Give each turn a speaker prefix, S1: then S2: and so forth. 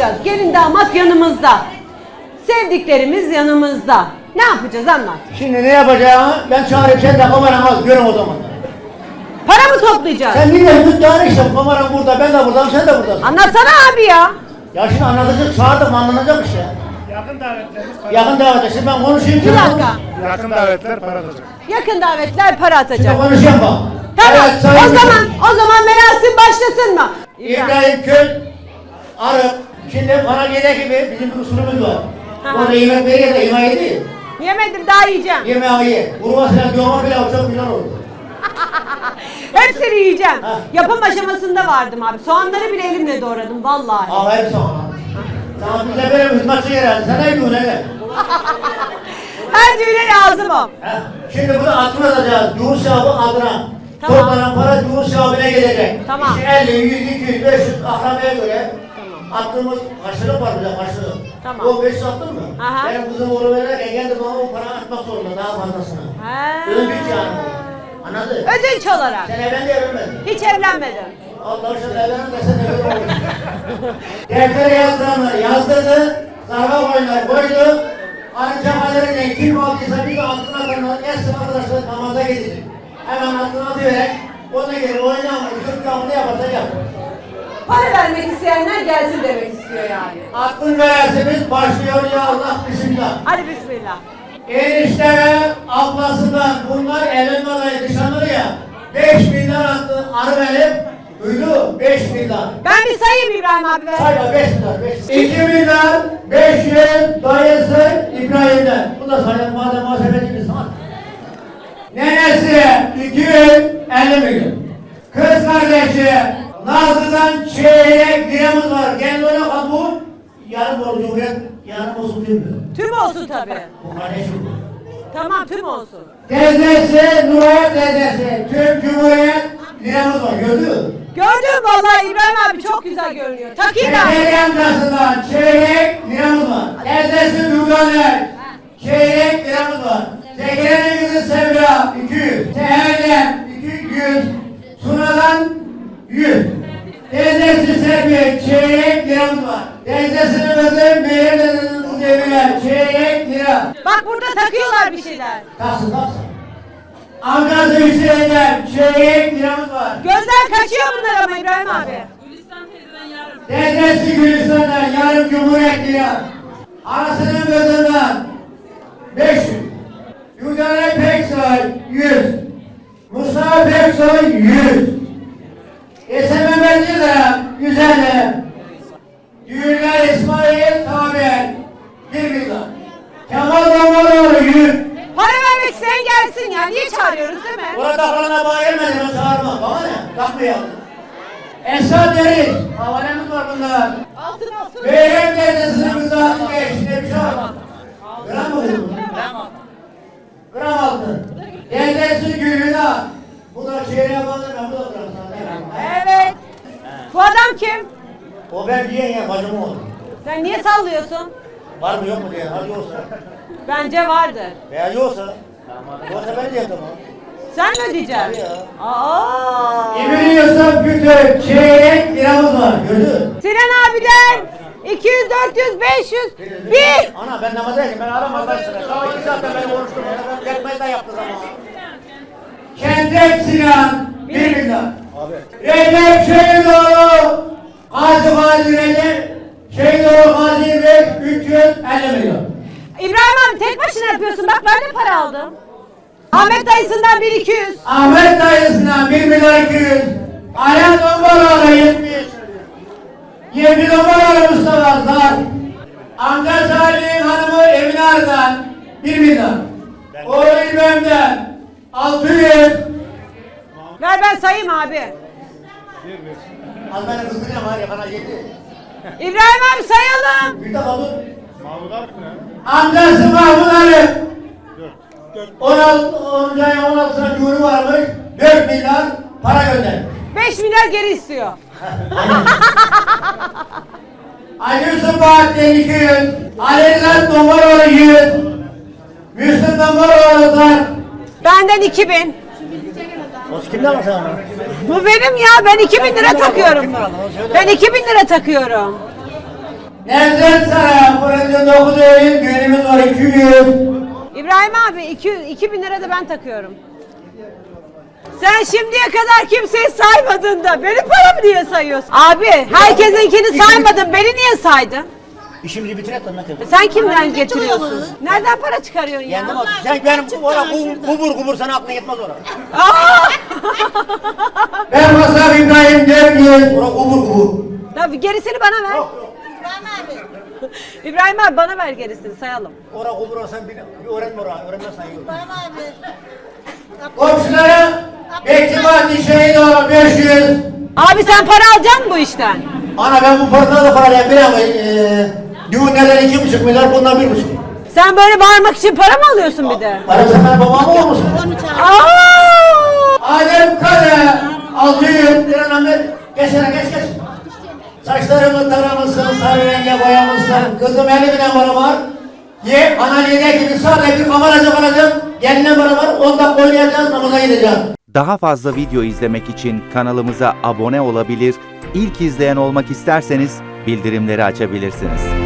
S1: yapacağız? Gelin damat yanımızda. Sevdiklerimiz yanımızda. Ne yapacağız anlat.
S2: Şimdi ne yapacağımı ben çağırayım, sen de kameranı al, görün o zaman.
S1: Para mı toplayacağız?
S2: Sen niye müdahale işte, kameran burada, ben de buradayım, sen de buradasın.
S1: Anlatsana abi ya.
S2: Ya şimdi anlatacak, çağırdım, anlanacak işte.
S3: Yakın davetlerimiz para
S2: Yakın davet, şimdi ben konuşayım.
S1: Bir dakika.
S3: Yakın davetler para atacak.
S1: Yakın davetler para atacak.
S2: Şimdi konuşayım bak.
S1: Tamam.
S2: Evet, sayın
S1: O zaman merasim başlasın mı?
S2: İbrahim Köy, Arık. Şimdi bana gele gibi bizim bir usulümüz var.
S1: Aha.
S2: Orada yemek veriyor da yemeği değil.
S1: Yemedim daha yiyeceğim.
S2: Yemeği ye. Vurma falan, doğma pilav çok güzel olur.
S1: Hepsini yiyeceğim.
S2: Ha.
S1: Yapım aşamasında vardım abi. Soğanları bile elimle doğradım vallahi.
S2: Aferin sana. Sana bize böyle hizmetçi herhalde. Sen ne diyorsun hele?
S1: Her düğüne lazımım.
S2: Şimdi bunu aklına atacağız. Düğün sahibi adına.
S1: Tamam.
S2: Toplanan para düğün sahibine gelecek.
S1: Tamam.
S2: İşte 50, 100, 200, 500 akrabaya göre attığımız karşılık var bize karşılık.
S1: Tamam.
S2: O 500 attın mı?
S1: Aha.
S2: Benim kızım oğlu verirken kendi bana o para atmak zorunda daha fazlasını.
S1: Ha.
S2: Ödünç yani. Anladın?
S1: Ödünç olarak.
S2: Sen evlendi evlenmedin.
S1: Hiç evlenmedim.
S2: Allah aşkına evlenin desen evlen olur. Deftere yazdıranlar yazdırdı. Zarfa koydular koydu. Ancak aleriyle kim aldıysa bir de altına atanlar gelsin arkadaşlar namaza gidecek. Hemen altına atıyorlar. Ona göre oynamayı, Türk'ü yaparsa yap.
S1: Para vermek isteyenler gelsin demek istiyor yani.
S2: Aklın vererseniz başlıyor ya Allah bismillah.
S1: Hadi bismillah.
S2: Eniştere ablasından bunlar evlenme adayı dışanır ya. 5 milyar attı arı verip duydu 5 milyar.
S1: Ben bir sayayım İbrahim abi ver.
S2: Sayma 5 milyar 5. 2 milyar 500 dayısı İbrahim'den. Bu da sayın madem muhasebeci bir sanat. Nenesi 250 milyon. Kız kardeşi Nazlı'dan çeyrek liramız var. Kendi öyle kabul. Yarım oldu Cumhuriyet, yarım olsun değil mi?
S1: Tüm olsun tabii.
S2: Bu kardeşim bu.
S1: Tamam tüm olsun.
S2: Teyzesi, Nurayet teyzesi, tüm Cumhuriyet liramız var, gördün mü?
S1: Gördüm vallahi İbrahim abi çok güzel görünüyor. Takayım abi.
S2: Şeker yancasından çeyrek liramız var. Teyzesi Nurdaner, çeyrek liramız var. Zekeri'nin kızı Sevra, 200. Seher'den 200. Suna'dan 100. Teyzesi Serpil, çeyrek liramız var. Teyzesinin kızı Meryem'den Cemile, çeyrek lira.
S1: Bak burada takıyorlar bir şeyler.
S2: Kalsın kalsın. Amcası Hüseyin'den çeyrek liramız var.
S1: Gözler kaçıyor bunlar ama İbrahim abi.
S2: Teyzesi Gülistan'dan yarım Cumhuriyet lira. Anasının kızından 500. Yurdane Peksoy 100. Mustafa Peksoy 100. Mehmet Yıldırım 150. Düğünler İsmail Tamer 1 milyon. Kemal Damaloğlu 100.
S1: Para vermek isteyen gelsin ya. Niye çağırıyoruz değil mi?
S2: Burada falana bağırmadım, ben çağırmam. Bana ne? Takmayalım. Esad Deriz. Havalemiz var bunlar.
S1: Altın.
S2: Beyler teyzesinin kızı geçti. Bir şey var. Gram mı bu? Gram altın. Teyzesi Gülüna. Bu da çeyreğe bağlı, ben bu da gram sana.
S1: Evet. Bu adam kim?
S2: O ben diyen ya bacım oldu.
S1: Sen niye sallıyorsun?
S2: Var mı yok mu diye. Hadi olsa.
S1: Bence vardır.
S2: Veya yoksa. Yoksa ben diye tamam.
S1: Sen mi ödeyeceksin?
S2: Tabii ya.
S1: Aa.
S2: İbn Yusuf Kütük çeyrek liramız var. Gördün.
S1: Sinan abiden 200, 400, 500, 1.
S2: Ana ben namazdayım. Ben aramazdan sıra. Sabah 2 saatten beri konuştum. Ben tekmeyi yaptı zaman. Kendek Sinan 1 milyon. Recep Şehidoğlu Gazi Recep Şehidoğlu Gazi Bey 350 milyon.
S1: İbrahim abi tek başına yapıyorsun. Bak ben de para aldım. Ahmet dayısından 1-200.
S2: Ahmet dayısından 1 milyon 200. Ayhan Dombaloğlu 70. 20 Dombaloğlu Mustafa Zar. Amca Salih'in hanımı Emine Arı'dan 1 milyon. Oğlu İbrahim'den 600.
S1: Ver ben sayayım abi.
S2: Az beni kızdıracağım var ya bana yedi.
S1: İbrahim abi sayalım.
S2: Bir de kalın.
S3: Mahmut Arif ne?
S2: Amcası Mahmut Arif. 10. ayın 16'sına düğünü varmış. 4 milyar para göndermiş.
S1: 5 milyar geri istiyor.
S2: Ali Yusuf Bahattin 200. Aleyhler Dombaloğlu 100. Müslüm Dombaloğlu Zar.
S1: Benden 2000.
S2: O kimden var sana?
S1: Bu benim ya. Ben 2000 lira takıyorum. Ben 2000 lira takıyorum.
S2: Nevzat Sara, fırıncı 9 Eylül, düğünümüz var 200.
S1: İbrahim abi 2000 lira da ben takıyorum. Sen şimdiye kadar kimseyi saymadın da benim paramı niye sayıyorsun? Abi herkesinkini saymadın, beni niye saydın?
S2: İşimizi bitirek lan Mete.
S1: Sen kimden getiriyorsun? Nereden para çıkarıyorsun ya?
S2: Kendim aldım. Sen benim kubur sana aklına gitmez oraya.
S1: Aa!
S2: Ben Masar İbrahim 400. Oraya kubur.
S1: Tabii gerisini bana ver. İbrahim abi bana ver gerisini sayalım.
S2: Oraya kubur sen bir öğrenme oraya. Öğrenmezsen iyi olur. Komşulara Bekçibahçe şehit olan 500.
S1: Abi sen para alacaksın bu işten.
S2: Ana ben bu paradan da para bir ama düğünlerden 2,5 milyar bundan 1,5.
S1: Sen böyle bağırmak için para mı alıyorsun bir de?
S2: Para sen benim babam mı olmuşsun?
S1: Aa!
S2: Adem Kale 600 lira Ahmet. Geç. Saçlarımı taramışsın, sarı renge boyamışsın. Kızım 50 bine para var. Ana lider gibi sadece bir kameracı alacağım. Geline para var, 10 dakika oynayacağız, namaza gideceğim.
S4: Daha fazla video izlemek için kanalımıza abone olabilir, ilk izleyen olmak isterseniz bildirimleri açabilirsiniz.